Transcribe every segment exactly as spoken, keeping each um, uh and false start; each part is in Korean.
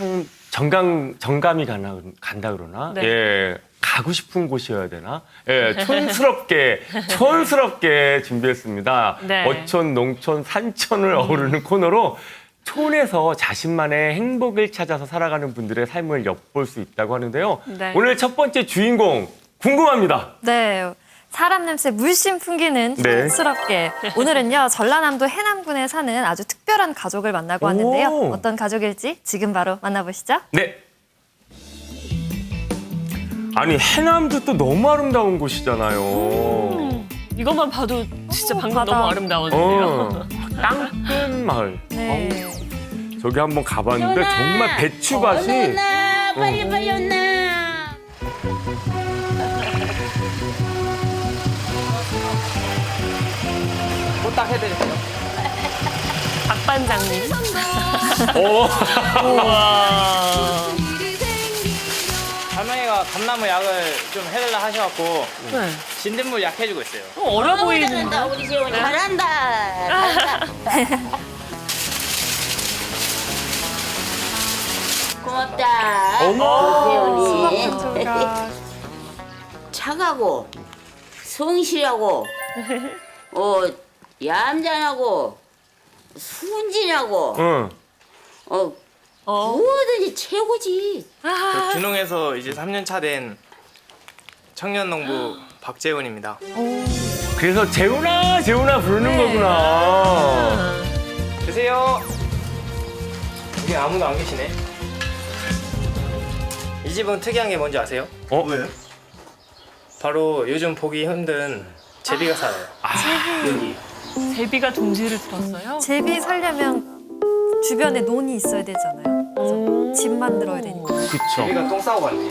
참 정감 정감이 가나 간다 그러나 네. 예 가고 싶은 곳이어야 되나 예 촌스럽게 촌스럽게 준비했습니다. 네. 어촌 농촌 산촌을 어우르는 코너로 촌에서 자신만의 행복을 찾아서 살아가는 분들의 삶을 엿볼 수 있다고 하는데요. 네. 오늘 첫 번째 주인공 궁금합니다. 네. 사람 냄새 물씬 풍기는 네. 촌스럽게. 오늘은요, 전라남도 해남군에 사는 아주 특별한 가족을 만나고 왔는데요. 오. 어떤 가족일지 지금 바로 만나보시죠. 네. 아니 해남도 또 너무 아름다운 곳이잖아요. 이것만 봐도 진짜 방금 바다. 너무 아름다웠는데요. 어, 땅끝 마을. 네. 저기 한번 가봤는데 정말 배추밭이 온나 빨리 빨리 온나. 박 반장님. 어. 우와. 할머니가 감나무 약을 좀 해달라 하셔갖고 네. 진딧물 약 해주고 있어요. 어, 어려 너무 보이는. 잘한다 우리 재훈이 잘한다. 잘한다. 고맙다. 어머. 재훈이. 착하고 성실하고 어 얌전하고 순진하고 응. 어 어. 뭐든지 최고지. 저 준홍에서 이제 삼 년 차 된 청년 농부 박재훈입니다. 그래서 재훈아 재훈아 부르는 네. 거구나. 계세요. 여기 아무도 안 계시네. 이 집은 특이한 게 뭔지 아세요? 어? 바로 요즘 보기 힘든 제비가 살아요. 여기. 제비가 둥지를 들었어요? 제비 살려면 주변에 논이 있어야 되잖아요. 오. 집 만들어야 되니까. 그쵸. 제비가 똥 싸고 갔네.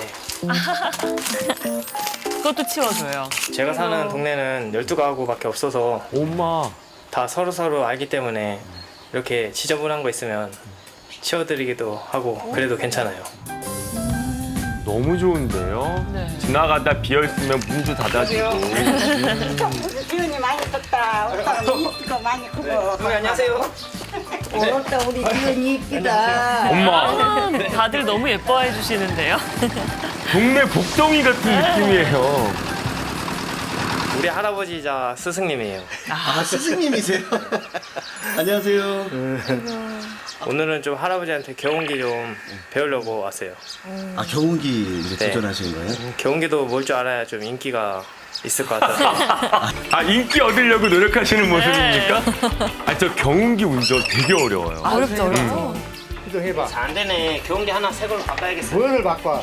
그것도 치워줘요. 제가 사는 동네는 열두 가구밖에 없어서 엄마. 다 서로서로 알기 때문에 이렇게 지저분한 거 있으면 치워드리기도 하고 그래도 괜찮아요. 너무 좋은데요. 네. 지나가다 비어 있으면 문도 닫아주고. 기운이 많이 떴다. 오빠가 이쁘고 많이 크고. 어머니 안녕하세요. 오늘따 우리 기운이 이쁘다. 엄마. 다들 너무 예뻐해 주시는데요. 동네 복덩이 같은 느낌이에요. 우리 할아버지자 스승님이에요. 아, 스승님이세요? 안녕하세요. 오늘은 좀 할아버지한테 경운기 좀 배우려고 왔어요. 아, 경운기 이제 네. 도전하시는 거예요? 경운기도 뭘 줄 알아야 좀 인기가 있을 것 같아서. 아 인기 얻으려고 노력하시는 모습입니까? 아 저 경운기 운전 되게 어려워요. 어렵죠, 어렵죠. 해봐. 잘 안 되네. 경운기 하나 새 걸로 바꿔야겠어요. 뭘 바꿔?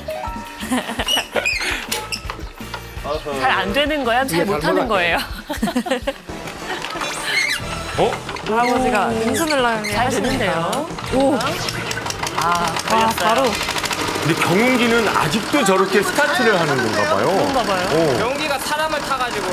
잘 안 되는 거야? 잘 이게 못하는 잘못한 거예요? 어? 할아버지가 능수를 나게 잘 되는데요? 오. 아, 아, 걸렸어요. 바로. 근데 경운기는 아직도 저렇게 스타트를 하는 건가 봐요. 그런가 봐요. 어. 경운기가 사람을 타가지고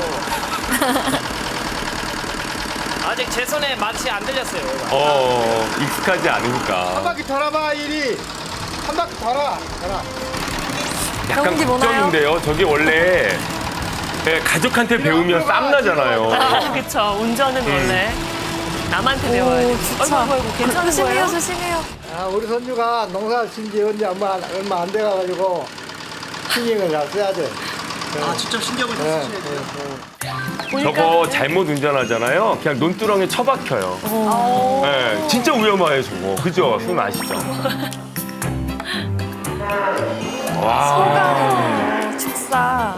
아직 제 손에 맛이 안 들렸어요. 어, 익숙하지 한 않으니까. 바퀴 돌아봐, 이리. 한 바퀴 돌아. 돌아. 약간 경운기 뭐나요? 걱정인데요. 저게 원래 예, 가족한테 배우면 쌈나잖아요. 아, 그쵸. 운전은 원래 남한테 배워야 돼. 오, 진짜. 아이고, 아이고, 괜찮은 조심해요, 거예요? 조심해요. 아, 우리 손주가 농사 진지 언제 얼마, 얼마 안 돼가지고 신경을 잘 써야 돼. 아, 직접 신경을 다 네, 쓰셔야 돼요. 보니까 저거 잘못 운전하잖아요. 그냥 논두렁에 처박혀요. 어. 예, 진짜 위험해요, 저거. 그죠? 손 아시죠? 와. 어, 축사.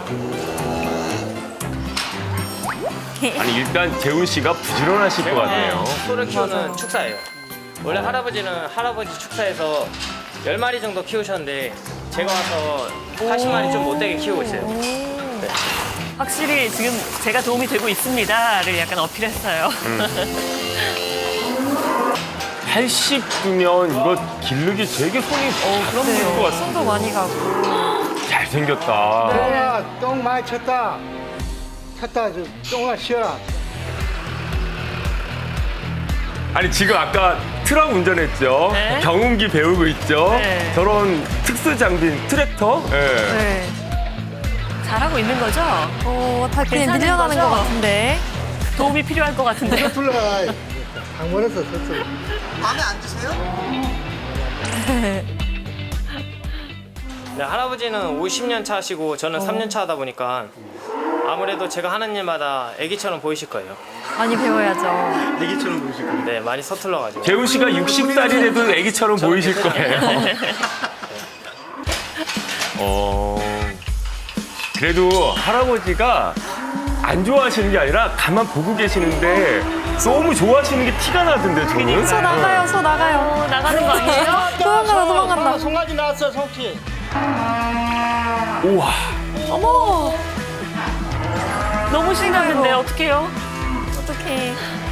아니, 일단 재훈 씨가 부지런하실 것 같네요. 소를 키우는 축사예요. 원래 할아버지는 할아버지 축사에서 열 마리 정도 키우셨는데 제가 와서 팔십 마리 좀 못되게 키우고 있어요. 네. 확실히 지금 제가 도움이 되고 있습니다를 약간 어필했어요. 팔십이면 이거 기르기 되게 손이 어, 그럼요. 것 같은데. 손도 많이 가고. 잘생겼다. 똥아, 똥 많이 쳤다. 쳤다, 좀 똥아 쉬어라. 아니 지금 아까 트럭 운전했죠. 네. 경운기 배우고 있죠. 네. 저런 특수 장비인 트랙터. 예. 네. 잘하고 있는 거죠? 어, 다 그냥 괜찮은 밀려나는 거죠? 것 같은데. 도움이 필요할 것 같은데요? 불러라. 강원에서 썼어. 마음에 안 드세요? 네, 할아버지는 오십 년 차시고 저는 삼 년 차 하다 보니까 아무래도 제가 하는 일마다 애기처럼 보이실 거예요. 많이 배워야죠. 애기처럼 보시고. 네, 많이 서툴러가지고. 재훈 씨가 육십 살이 돼도 애기처럼 보이실 거예요. 어, 그래도 할아버지가 안 좋아하시는 게 아니라 가만 보고 계시는데 너무 좋아하시는 게 티가 나던데 저는. 소 나가요, 소 나가요. 어, 나가는 거 아니에요? 도망간다, 도망간다. 송아지 나왔어, 송치. 우와. 어머! 너무 신나는데 어떡해요? 어떡해.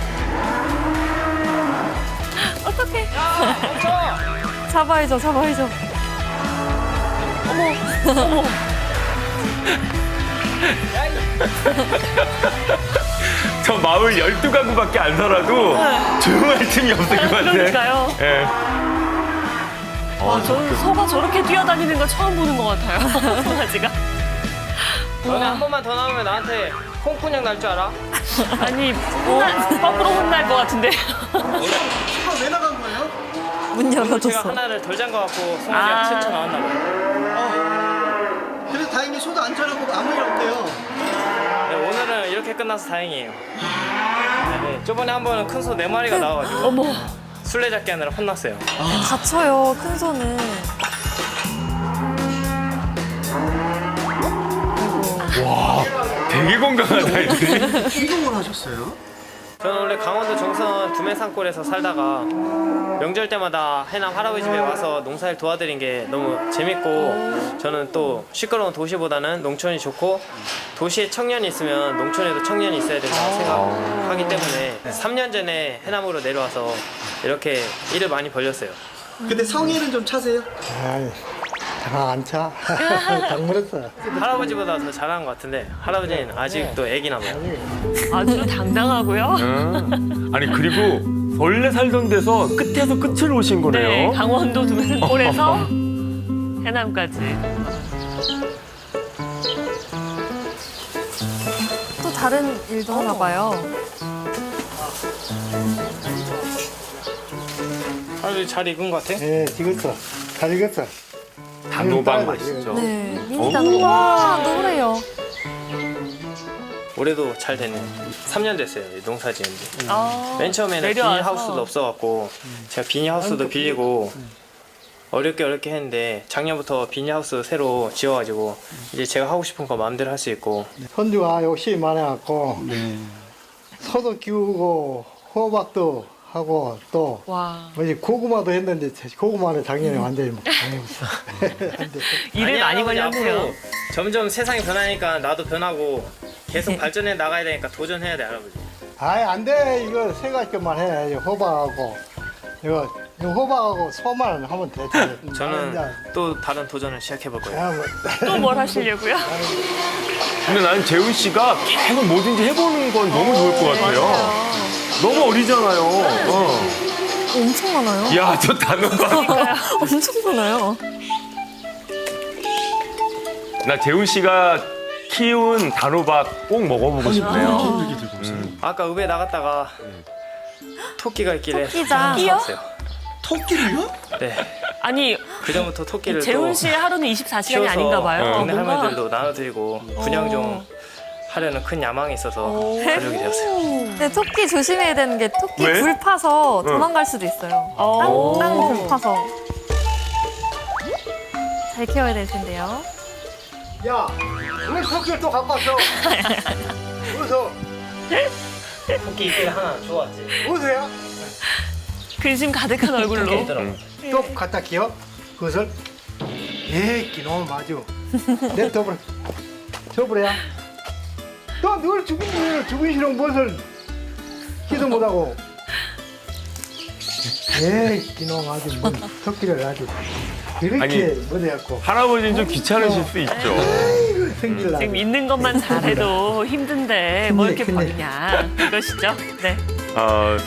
어떡해. 잡아야죠, 잡아야죠. 저 마을 열두 가구밖에 안 살아도 조용할 틈이 없을 것 같아. 그러니까요. 예. 와, 저는 소가 저렇게 뛰어다니는 거 처음 보는 것 같아요. 송아지가. 너네 한 번만 더 나오면 나한테 홍군형 날 줄 알아? 아니, 혼날, 거꾸로 혼날 것 같은데. 아, 왜 나간 거예요? 문 제가 열어줬어. 하나를 덜 잠가갖고 송아지가 아. 튀쳐 나왔나 봐요. 그래도 다행히 소도 안 자라고 아무 일 없대요. 네, 오늘은 이렇게 끝나서 다행이에요. 네, 저번에 한 번은 큰 소 네 마리가 나와가지고 어머. 술래잡기 하느라 혼났어요. 다쳐요, 큰 소는. 와, 되게 건강하다 애들이. 이동을 하셨어요? 저는 원래 강원도 정선 두메산골에서 살다가 명절 때마다 해남 할아버지 집에 와서 농사일 도와드린 게 너무 재밌고 저는 또 시끄러운 도시보다는 농촌이 좋고 도시에 청년이 있으면 농촌에도 청년이 있어야 된다고 생각하기 때문에 삼 년 전에 해남으로 내려와서 이렇게 일을 많이 벌렸어요. 근데 성의는 좀 차세요? 아이, 다안 차. 당물었어. 할아버지보다 더 잘하는 것 같은데 할아버지는 아직도 애기나 봐요. 아주 당당하고요. 응. 아니 그리고 원래 살던 데서 끝에서 끝을 오신 네, 거네요. 강원도 두메산골에서 해남까지. 또 다른 일도 하나 봐요. 할아버지 잘 익은 것 같아? 예, 익었어. 잘 익었어. 단호박 맛있죠. 네, 미니 단호. 와, 노래요. 올해도 잘 됐네요. 삼 년 됐어요, 이 농사 지은지. 아, 맨 처음에는 내려와서. 비닐하우스도 없어갖고 제가 비닐하우스도 빌리고 어렵게 어렵게 했는데 작년부터 비닐하우스 새로 지어가지고 이제 제가 하고 싶은 거 마음대로 할 수 있고 손주가 욕심이 많아갖고 네. 소도 키우고 호박도 하고 또 와. 뭐지 고구마도 했는데 고구마는 작년에 완전히 막 당했어. 일을 아니, 많이 할아버지 걸렸네요. 앞으로 점점 세상이 변하니까 나도 변하고 계속 발전해 나가야 되니까 도전해야 돼 할아버지. 아이 안돼 이거 세 가지만 해. 이거 호박하고 이거 이거 호박하고 소만 하면 되지. 저는 아, 또 다른 도전을 시작해 볼 거예요. 야, 뭐, 또 뭘 하시려고요? 근데 나는 재훈 씨가 계속 뭐든지 해보는 건 너무 좋을 것 같아요. 너무 어리잖아요. 어. 엄청 많아요. 야, 저 단호박. 엄청 많아요. 나 재훈 씨가 키운 단호박 꼭 먹어보고 싶네요. 이렇게 들고 오세요. 아까 읍에 나갔다가 토끼가 있길래 토끼장. 사왔어요. 토끼를요? 네. 아니, 그 전부터 토끼를 재훈 또 씨의 하루는 이십사 시간이 키워서 아닌가 봐요. 동네 뭔가- 할머니들도 나눠드리고 분양 좀 하려는 큰 야망이 있어서 가족이 되었어요. 근데 토끼 조심해야 되는 게 토끼 왜? 불 파서 도망갈 수도 있어요. 어. 땅 불 파서. 잘 키워야 될 텐데요. 야, 왜 토끼를 또 갖고 왔어? 어디서? 토끼 있길 하나 좋았지. 어디서야? 근심 가득한 얼굴로. 있더라고. 또 갖다 키워? 그것을? 에이, 기놈 아주. 내 더블. 저버려야. 너늘 죽은 일 죽은 싫은 무엇을 기도 못하고. 에이, 기놈 아주 뭐 토끼를 아주 이렇게 아니, 못해갖고. 할아버지는 좀 귀찮으실 수 있죠. 생길라. 지금 있는 것만 잘해도 힘든데 뭐 이렇게 큰일. 버리냐 이것이죠. 네. 어,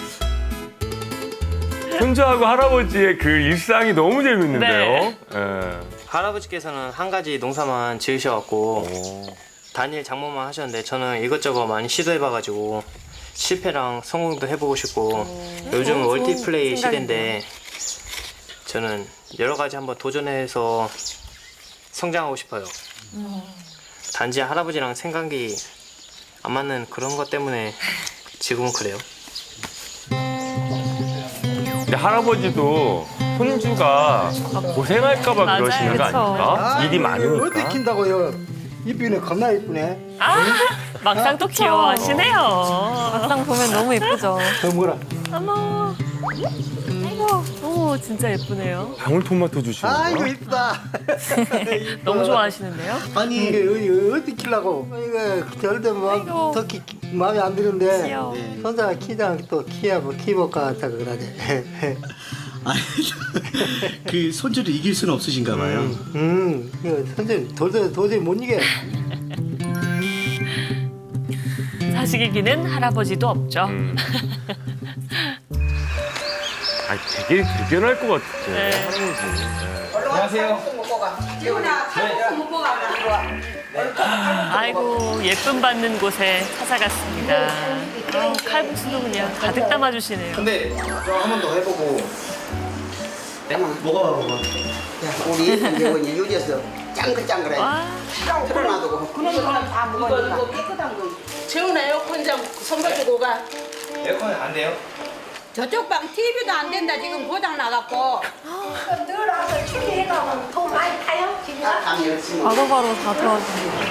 손주하고 할아버지의 그 일상이 너무 재밌는데요. 예. 할아버지께서는 한 가지 농사만 지으셔갖고 단일 작물만 하셨는데 저는 이것저것 많이 시도해봐가지고 실패랑 성공도 해보고 싶고 요즘 너무 좋은 멀티플레이 생각인데요. 시대인데 저는 여러 가지 한번 도전해서 성장하고 싶어요. 단지 할아버지랑 생각이 안 맞는 그런 것 때문에 지금은 그래요. 근데 할아버지도 손주가 고생할까봐 맞아요. 그러시는 거 그쵸. 아닙니까? 일이 많으니까. 어디 킨다고요? 이쁘네, 겁나 이쁘네. 아, 막상 또 그쵸. 귀여워하시네요. 막상 보면 너무 예쁘죠. 더 뭐라? 어머. 아이고, 오, 진짜 예쁘네요. 방울토마토 주시는 아이고 거야? 이쁘다. 너무 좋아하시는데요? 아니 이게 어디, 어디 키려고? 이거 절대 아이고. 뭐더 마음에 안 드는데 귀여워. 손자가 키장 또 키야 뭐 키볼까 같다 그러지. 아니, 그 손주를 이길 수는 없으신가 봐요. 음, 이거 선생님 도저히 도저히 못 이겨. 사실 기는 할아버지도 없죠. 음. 아니, 되게 대견할 것 같아. 네. 할아버지. 네. 안녕하세요. 아이고, 예쁨 받는 곳에 찾아갔습니다. 아우, 칼국수도 그냥 가득 담아주시네요. 근데 저 한 번 더 해보고. 뭐가 뭐가? 야, 우리 예쁜 예원이 요리해서 짱글짱글해. 와, 틀어놔두고. 그런 거는 다 먹으니까. 이거 깨끗한 거. 재훈아 에어컨 좀 선봐주고 가. 에어컨 안 돼요? 저쪽 방 티비도 안 된다. 지금 고장 나갖고. 늘 와서 추리해가면 돈 많이 타요? 지금. 아, 열심히. 바로바로 다 도와줍니다.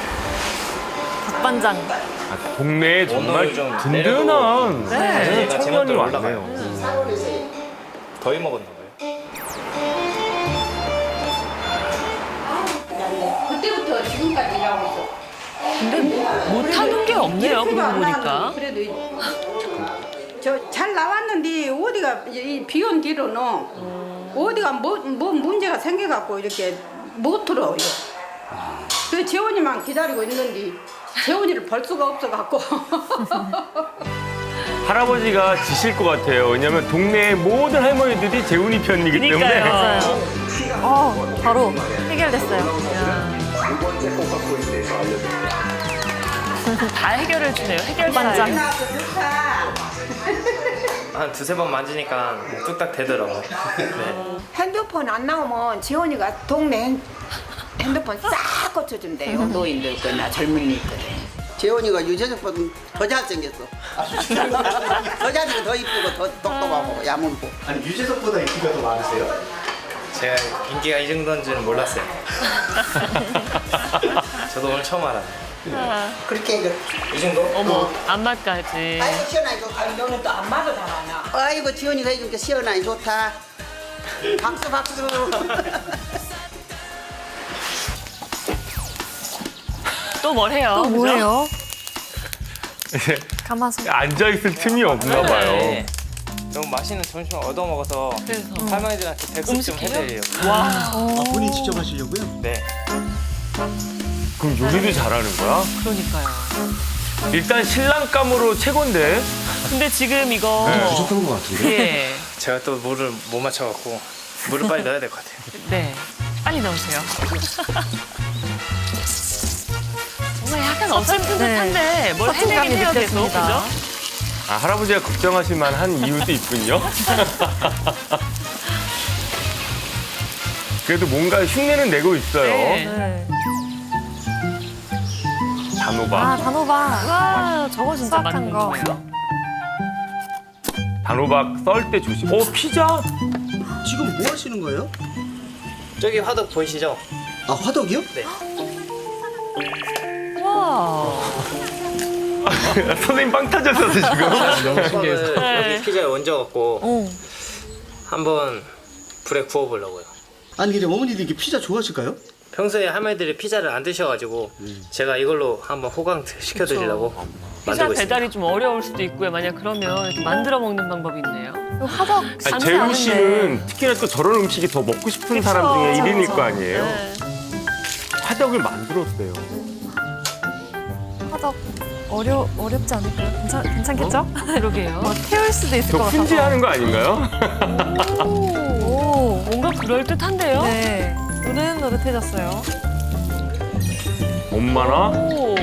닭반장. 아, 동네에 정말 오늘 좀 든든한 네. 네, 얘가 청년이 제멋대로 왔네요. 더위 먹었나 봐요. 그때부터 지금까지 일하고 있어. 근데 못하는 게 없네요, 이렇게도 그러고 안 보니까. 나왔는데 그래도 저 잘 나왔는데 어디가 비온 뒤로는 어디가 뭐, 뭐 문제가 생겨갖고 이렇게 못 들어요. 그 재원이만 기다리고 있는데 재원이를 볼 수가 없어갖고. 할아버지가 지실 것 같아요. 왜냐면 동네의 모든 할머니들이 재훈이 편이기 때문에. 그러니까요. 어, 바로 해결됐어요. 다 해결해 주네요. 해결사예요. 반장. 한 두세 번 만지니까 뚝딱 되더라고요. 네. 핸드폰 안 나오면 지원이가 동네 핸- 핸드폰 싹 고쳐준대요. 노인들 거나 젊은이 거. 재원이가 유재석보다 더 잘생겼어. 더 잘생겨, 더 이쁘고 더 똑똑하고 야문고. 아니 유재석보다 인기가 더 많으세요? 제가 인기가 이 정도인 줄은 몰랐어요. 저도 오늘 처음 알았네요. 그렇게 이거. 이 정도? 어머, 안마까지. 아이고 시원하니 좋다. 너는 또 안마도 잘하나? 아이고 지원이가 해준 게 시원하니 좋다. 박수 박수. 또 뭘 해요? 또 그죠? 뭐예요? 가마솥. 앉아있을 틈이 없나 봐요. 네. 너무 맛있는 점심을 얻어먹어서 그래서. 할머니들한테 대접 좀 음식이요? 해드려요. 와, 아, 본인 직접 하시려고요? 네. 그럼 요리도 잘하는 거야? 그러니까요. 일단 신랑감으로 최고인데. 근데 지금 이거. 부족한 것 같은데. 예. 제가 또 물을 못 맞춰갖고 물을 빨리 넣어야 될 것 같아요. 네. 빨리 넣으세요. 정말 약간 어설픈 듯한데 뭘 해내긴 서툰감이 해요, 계속. 느껴집니다. 그죠? 아, 할아버지가 걱정하실 만한 이유도 있군요. 그래도 뭔가 흉내는 내고 있어요. 네. 네. 단호박. 아, 단호박. 와, 저거 진짜 수확한 많이 거. 먹어요. 단호박 썰 때 조심. 어, 피자? 지금 뭐 하시는 거예요? 저기 화덕 보이시죠? 아 화덕이요? 네. 와. 선생님 빵 터졌었어, 지금. 화덕을 네. 여기 피자에 얹어갖고 어. 한번 불에 구워보려고요. 아니 근데 어머니도 이렇게 피자 좋아하실까요? 평소에 할머니들이 피자를 안 드셔가지고 제가 이걸로 한번 호강 시켜드리려고 피자 만들고 있습니다. 배달이 좀 어려울 수도 있고요. 만약 그러면 이렇게 만들어 먹는 방법이 있네요. 이거 화덕 아니, 쉽지 재훈 않은데. 씨는 특히나 또 저런 음식이 더 먹고 싶은 사람 중에 그쵸. 일인일 거 아니에요? 네. 화덕을 만들었대요. 화덕 어려 어렵지 않을까요? 괜찮 괜찮겠죠? 그러게요. 뭐 태울 수도 있을 것 저 같아서. 훈지하는 거 아닌가요? 오. 뭔가 그럴 듯한데요? 네. 노릇노릇해졌어요. 엄마나? 오.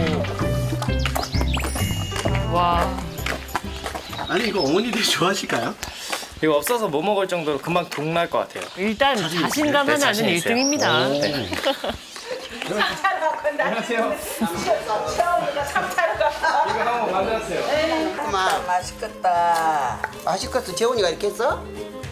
와. 아니 이거 어머니들이 좋아하실까요? 이거 없어서 못 먹을 정도로 금방 동날 것 같아요. 일단 자신감 네, 하나는 자신 있어요. 일 등입니다. 안녕하세요. 이거 한번 만들었어요. 그만 맛있겠다. 맛있겠어. 재훈이가 이렇게 했어?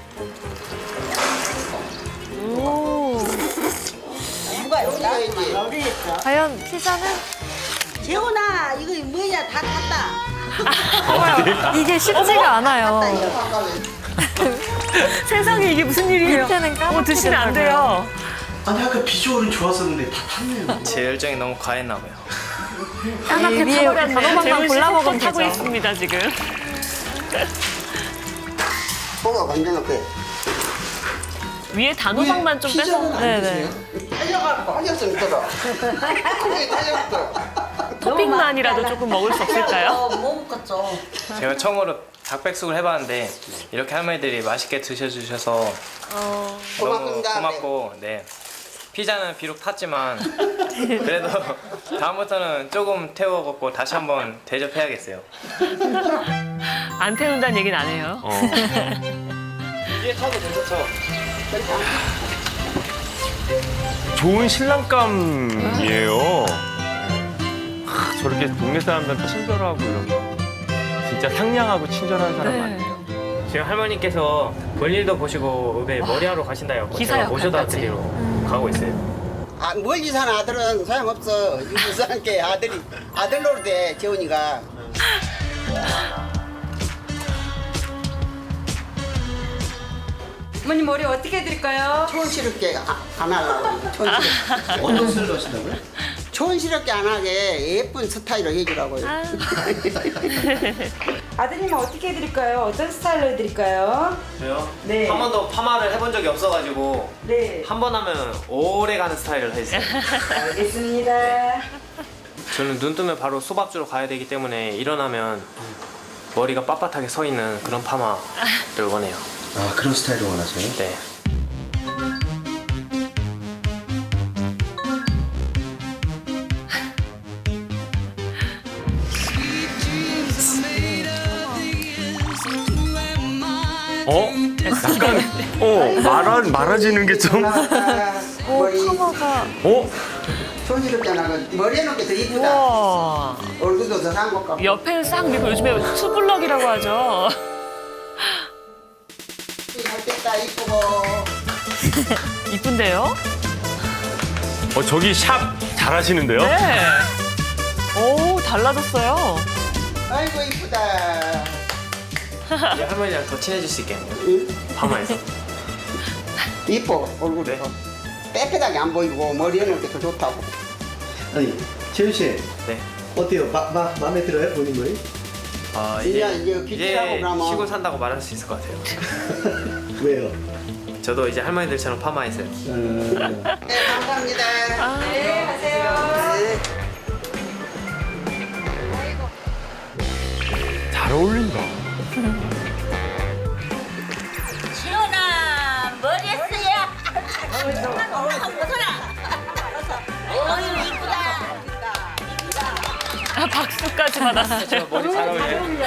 오. 누가 여기 우리 했어? 과연 피자는 재훈아 이거 뭐냐 다 탔다. 정말 이게 쉽지가 않아요. 세상에 이게 무슨 일이에요? 밑에는 까맣게 어, 드시면 안 돼요. 아니 아까 비주얼은 좋았었는데 다 탔네요. 제 열정이 너무 과했나 봐요. 까맣게 위에 타버렸네요. 단호박만 재훈 씨 골라 먹으면 콕콕 타고 되죠. 있습니다, 지금. 뭐가 관계없게. 위에 단호박만 좀 빼서. 네네. 달려가고 하셨으면 들어. 그게 달려갔어. 토핑만이라도 조금 먹을 수 없을까요? 못 먹겠죠. 제가 처음으로 닭백숙을 해봤는데 이렇게 할머니들이 맛있게 드셔주셔서 어, 너무 고맙습니다. 고맙고 네. 피자는 비록 탔지만 그래도 다음부터는 조금 태워 먹고 다시 한번 대접해야겠어요. 안 태운다는 얘기는 안 해요. 어. 뒤에 타도 괜찮죠? 좋은 신랑감이에요. 하, 저렇게 동네 사람들한테 친절하고 이런 거. 진짜 상냥하고 친절한 사람 네. 많네요. 지금 할머니께서 볼일도 보시고 왜 머리하러 가신다고 기사 제가 모셔다 역할까지. 드리러 가고 있어요. 아, 멀리 사는 아들은 소용없어. 유부 사는 게 아들이 아들 노릇해 재훈이가. 어머니 머리 어떻게 해드릴까요? 촌스럽게 아- 안 하려고. 촌스럽게. 어떤 스타일로 하신다고요? 촌스럽게 안 하게 예쁜 스타일로 해주라고요. 아드님은 어떻게 해드릴까요? 어떤 스타일로 해드릴까요? 저요? 네. 한 번도 파마를 해본 적이 없어가지고 네. 한 번 하면 오래 가는 스타일을 해주세요. 알겠습니다. 저는 눈 뜨면 바로 소밥 주러 가야 되기 때문에 일어나면 머리가 빳빳하게 서 있는 그런 파마를 원해요. 아 그런 스타일로 원하세요? 네. 어? 약간 어 말아 말아지는 게 좀. 머리 커버가 어? 촌스럽게 안 하고 머리 해놓은 게 더 이쁘다. 와. 얼굴도 더 산 것 같고. 옆에는 싹 밀고 요즘에 투블럭이라고 하죠. 잘 됐다 이쁘고. 이쁜데요? 어 저기 샵 잘하시는데요? 네. 오, 달라졌어요. 아이고 이쁘다. 이제 할머니랑 더 친해질 수 있겠네요. 파마에서. 이뻐 얼굴이. 네. 빽빽하게 안 보이고 머리 해놓은 게 더 좋다고. 아니 재훈 씨 네. 어때요? 마, 마, 마음에 들어요? 본인 머리? 아, 이제 이제, 이제 귀티라고 이제 그러면. 시골 산다고 말할 수 있을 것 같아요. 왜요? 저도 이제 할머니들처럼 파마했어요. 음, 네 감사합니다. 네, 가세요. 네. 잘 어울린다. 시원아 머리 했어야. 어유 이쁘다. 아, 박수까지 받았어요. 머리 잘 어울려요.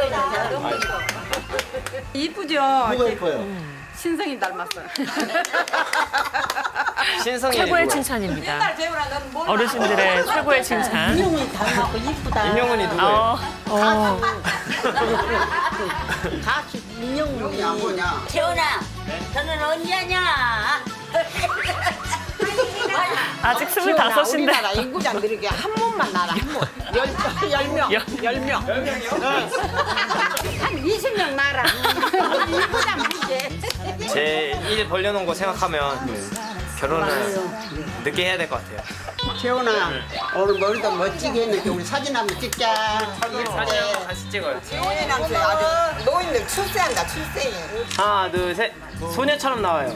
이쁘죠? 뭐가 예뻐요? 신성이 닮았어요. 신성이 최고의 누구예요? 칭찬입니다. 재훈아 넌 뭘? 어르신들의 최고의 칭찬. 인형이 닮았고 이쁘다. 임영훈이 누구예요? 어, 어. 같이 인형이 안 보냐? 재훈아, 너는 언제 하냐? 아직 스물다섯인데. 우리나라 인구장 늘게 한 몸만 나라 한 몸. 열, 열 명. 열- 열 명. 열 명이요? 한 이십 명 나라. 이쁘다 문제. 제 일 벌려놓은 거 생각하면 결혼을 늦게 해야 될 것 같아요. 재훈아 오늘 머리도 멋지게 했는데 우리 사진 한번 찍자. 사진 한번 같이 찍어요. 재훈이랑 그 아주 노인들 출세한다 출세. 하나, 둘, 셋. 소녀처럼 나와요.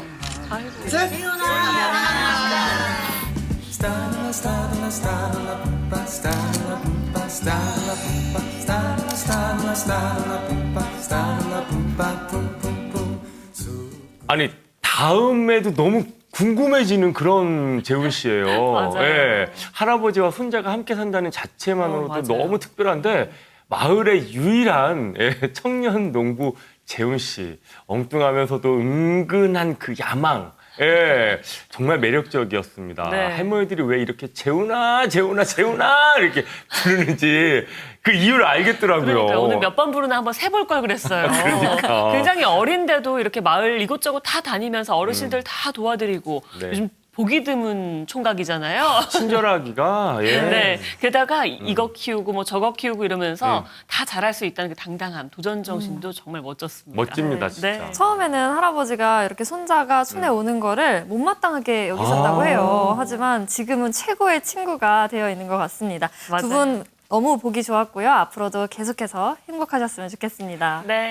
아니 다음에도 너무 궁금해지는 그런 재훈 씨예요. 맞아요. 예. 할아버지와 손자가 함께 산다는 자체만으로도 어, 맞아요. 너무 특별한데 마을의 유일한 예, 청년 농부 재훈 씨 엉뚱하면서도 은근한 그 야망. 예, 정말 매력적이었습니다. 네. 할머니들이 왜 이렇게 재훈아, 재훈아, 재훈아 이렇게 부르는지 그 이유를 알겠더라고요. 그러니까 오늘 몇 번 부르나 한번 세볼 걸 그랬어요. 그러니까. 굉장히 어린데도 이렇게 마을 이곳저곳 다 다니면서 어르신들 음. 다 도와드리고 네. 요즘 보기 드문 총각이잖아요. 친절하기가 예. 네. 게다가 이거 키우고 뭐 저거 키우고 이러면서 음. 다 잘할 수 있다는 그 당당함, 도전 정신도 정말 멋졌습니다. 멋집니다, 진짜. 네. 처음에는 할아버지가 이렇게 손자가 촌에 음. 오는 거를 못마땅하게 여기셨다고 아. 해요. 하지만 지금은 최고의 친구가 되어 있는 것 같습니다. 맞아요. 두 분 너무 보기 좋았고요. 앞으로도 계속해서 행복하셨으면 좋겠습니다. 네.